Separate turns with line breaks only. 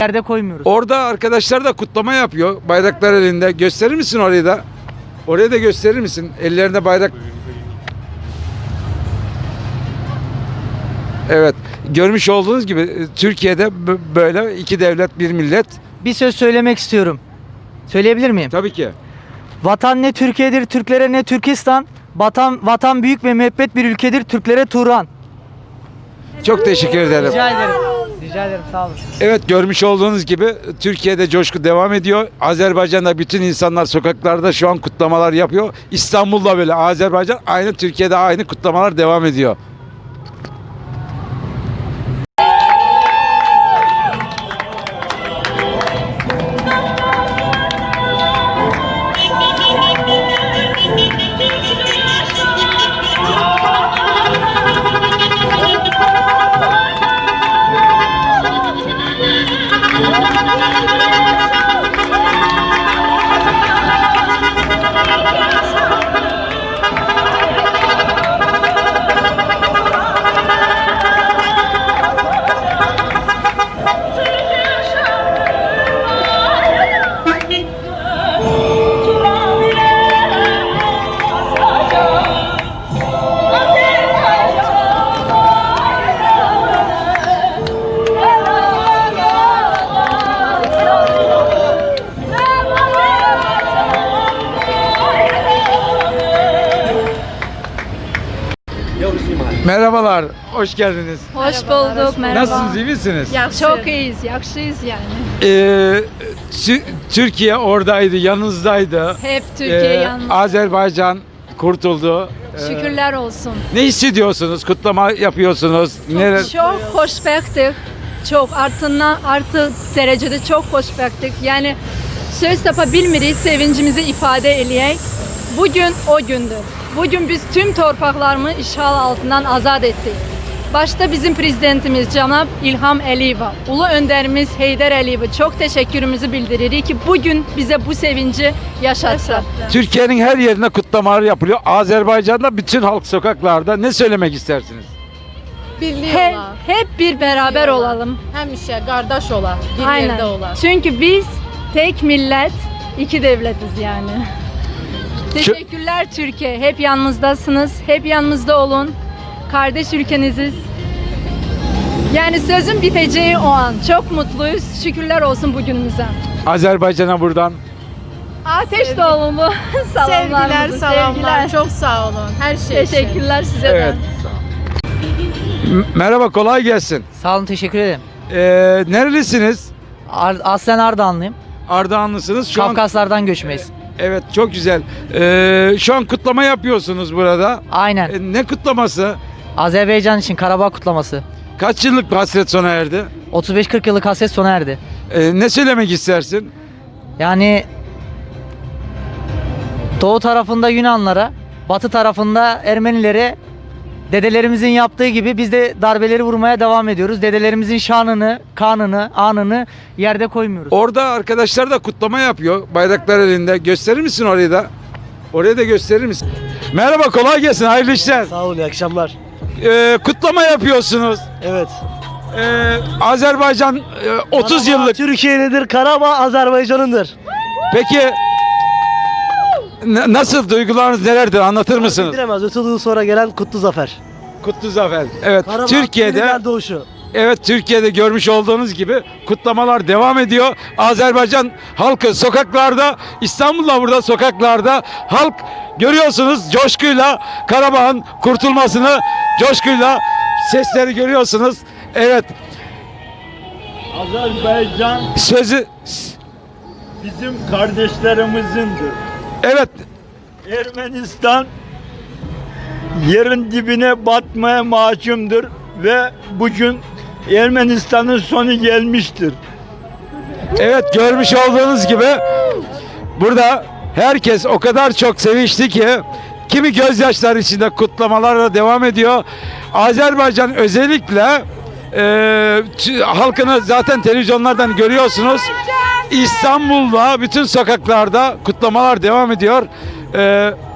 Yerde koymuyoruz.
Orada arkadaşlar da kutlama yapıyor. Bayraklar elinde. Gösterir misin orayı da? Oraya da gösterir misin? Ellerinde bayrak. Evet. Görmüş olduğunuz gibi Türkiye'de böyle iki devlet bir millet.
Bir söz söylemek istiyorum. Söyleyebilir miyim?
Tabii ki.
Vatan ne Türkiye'dir, Türklere ne Türkistan. Vatan büyük ve müebbet bir ülkedir, Türklere Turan.
Çok teşekkür ederim.
Rica ederim. Rica ederim, sağ olun.
Evet, görmüş olduğunuz gibi Türkiye'de coşku devam ediyor. Azerbaycan'da bütün insanlar sokaklarda şu an kutlamalar yapıyor. İstanbul'da böyle, Azerbaycan aynı, Türkiye'de aynı kutlamalar devam ediyor. Merhabalar, hoş geldiniz.
Hoş bulduk, merhaba.
Nasılsınız, iyi misiniz?
Çok iyiyiz, yakışıyız yani.
Türkiye oradaydı, yanınızdaydı.
Hep Türkiye yalnız.
Azerbaycan kurtuldu.
Şükürler olsun.
Ne hissediyorsunuz? Kutlama yapıyorsunuz. Neler?
Çok hoşbektik. Çok artı derecede çok hoşbektik. Yani söz tapabilmiriz, sevincimizi ifade eləyək. Bugün o gündür. Bugün biz tüm torpaqlarımı işğal altından azad ettik. Başta bizim prezidentimiz Cənab İlham Əliyevə, ulu önderimiz Heydər Əliyevə çok teşekkürümüzü bildiririk ki bugün bize bu sevinci yaşattı.
Türkiye'nin her yerine kutlamalar yapılıyor. Azerbaycan'da bütün halk sokaklarda. Ne söylemek istersiniz?
Birliği
Hep,
ola,
hep bir beraber olalım.
həmişə qardaş ola, bir
Aynen.
yerdə ola.
Çünkü biz tek millet, iki devletiz yani. Teşekkürler Türkiye. Hep yanımızdasınız. Hep yanımızda olun. Kardeş ülkeniziz. Yani sözün biteceği o an. Çok mutluyuz. Şükürler olsun bugünümüze.
Azerbaycan'a buradan.
Ateş dolumu salamlarımızı.
Sevgiler, salamlar.
sevgiler.
Çok sağ olun. Her şey için.
Teşekkürler size
Evet.
de.
Merhaba, kolay gelsin.
Sağ olun, teşekkür ederim.
Nerelisiniz?
Aslen Ardahanlıyım.
Ardahanlısınız. Şu an,
Kafkaslardan göçmeyiz.
evet, çok güzel. Şu an kutlama yapıyorsunuz burada.
Aynen.
Ne kutlaması?
Azerbaycan için Karabağ kutlaması.
Kaç yıllık bir hasret sona erdi?
35-40 yıllık hasret sona erdi.
Ne söylemek istersin?
Yani doğu tarafında Yunanlara, batı tarafında Ermenilere dedelerimizin yaptığı gibi biz de darbeleri vurmaya devam ediyoruz. Dedelerimizin şanını, kanını, anını yerde koymuyoruz.
Orada arkadaşlar da kutlama yapıyor. Bayraklar elinde. Gösterir misin orayı da? Oraya da gösterir misin? Merhaba, kolay gelsin. Hayırlı işler.
Sağ olun, iyi akşamlar.
Kutlama yapıyorsunuz.
Evet.
Azerbaycan 30
Karabağ
yıllık.
Türkiye'lidir, Karabağ Azerbaycan'ındır.
Peki nasıl, duygularınız nelerdir? Anlatır mısınız?
Bilemez, 30 yıl sonra gelen kutlu zafer.
Kutlu zafer. Evet,
Karabağ
Türkiye'de.
yeniden doğuşu.
Evet, Türkiye'de görmüş olduğunuz gibi kutlamalar devam ediyor. Azerbaycan halkı sokaklarda, İstanbul'da burada sokaklarda halk görüyorsunuz coşkuyla Karabağ'ın kurtulmasını, coşkuyla sesleri görüyorsunuz. Evet,
Azerbaycan
sözü,
bizim kardeşlerimizdir.
evet,
Ermenistan yerin dibine batmaya mahkumdur ve bugün Ermenistan'ın sonu gelmiştir.
evet, görmüş olduğunuz gibi burada herkes o kadar çok sevinçli ki kimi gözyaşları içinde kutlamalarla devam ediyor. Azerbaycan özellikle halkını zaten televizyonlardan görüyorsunuz. İstanbul'da bütün sokaklarda kutlamalar devam ediyor.